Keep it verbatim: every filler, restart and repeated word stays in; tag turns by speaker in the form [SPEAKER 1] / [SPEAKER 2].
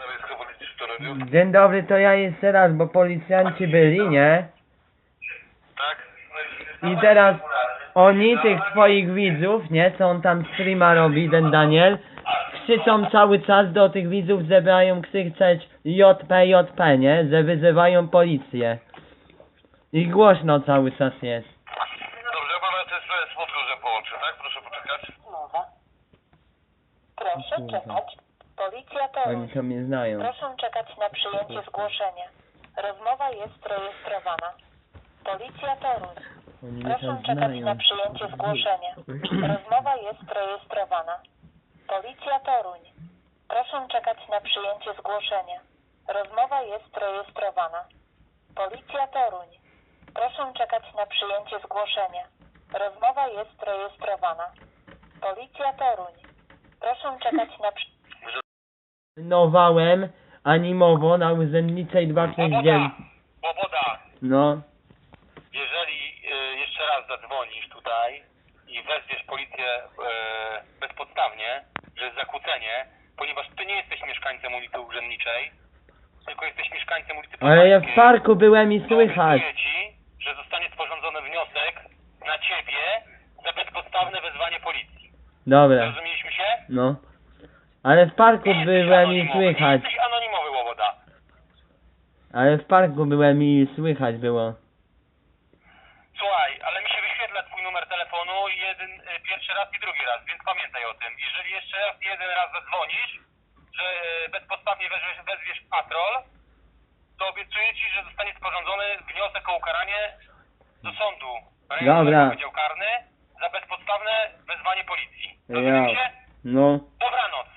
[SPEAKER 1] Dzień dobry, to ja jeszcze raz, bo policjanci byli, nie?
[SPEAKER 2] Tak?
[SPEAKER 1] I teraz oni, tych twoich widzów, nie? Co on tam streama robi, ten Daniel, krzyczą cały czas do tych widzów, że mają krzyczeć J P, J P, nie? Że wyzywają policję. I głośno cały czas jest.
[SPEAKER 2] Dobrze, pana też z podróżem połączę, tak? Proszę poczekać.
[SPEAKER 3] Mowa. Proszę
[SPEAKER 1] Kurwa.
[SPEAKER 3] czekać. Policja to...
[SPEAKER 1] Oni to mnie znają.
[SPEAKER 3] Proszę czekać na przyjęcie zgłoszenia. Rozmowa jest rejestrowana. Policja Toruń.
[SPEAKER 1] Oni mnie
[SPEAKER 3] Proszę
[SPEAKER 1] tam
[SPEAKER 3] czekać na
[SPEAKER 1] znają.
[SPEAKER 3] przyjęcie zgłoszenia. Rozmowa jest rejestrowana. Policja Toruń. Proszę czekać na przyjęcie zgłoszenia. Rozmowa jest rejestrowana. Policja Toruń. Proszę czekać na przyjęcie zgłoszenia. Rozmowa jest rejestrowana. Policja Toruń. Proszę czekać na przy...
[SPEAKER 1] Nowałem animowo na urzędniczej dwa sześć
[SPEAKER 2] Łoboda!
[SPEAKER 1] dziewięć.
[SPEAKER 2] Łoboda!
[SPEAKER 1] No.
[SPEAKER 2] Jeżeli y, jeszcze raz zadzwonisz tutaj i wezwiesz policję y, bezpodstawnie, że jest zakłócenie, ponieważ ty nie jesteś mieszkańcem ulicy Urzędniczej, tylko jesteś mieszkańcem ulicy
[SPEAKER 1] Ale ja w
[SPEAKER 2] Poznańskiej,
[SPEAKER 1] parku byłem i
[SPEAKER 2] to
[SPEAKER 1] słychać.
[SPEAKER 2] obiecuję ci, że zostanie sporządzony wniosek na ciebie za bezpodstawne wezwanie policji.
[SPEAKER 1] Dobra,
[SPEAKER 2] Zrozumieliśmy się?
[SPEAKER 1] no. Ale w parku
[SPEAKER 2] Nie jesteś
[SPEAKER 1] byłem i
[SPEAKER 2] anonimowy,
[SPEAKER 1] słychać.
[SPEAKER 2] Nie jesteś anonimowy, Łoboda.
[SPEAKER 1] Ale w parku byłem i słychać było.
[SPEAKER 2] Słuchaj, ale mi się wyświetla twój numer telefonu jeden, y, pierwszy raz i drugi raz, więc pamiętaj o tym. Jeżeli jeszcze raz, jeden raz zadzwonisz, że y, bezpodstawnie wezwiesz, wezwiesz patrol, to obiecuję ci, że zostanie sporządzony wniosek o ukaranie do sądu rejonowego
[SPEAKER 1] Dobra.
[SPEAKER 2] Wydział Karny za bezpodstawne wezwanie policji.
[SPEAKER 1] Ja.
[SPEAKER 2] Rozumiecie?
[SPEAKER 1] No.
[SPEAKER 2] Dobranoc.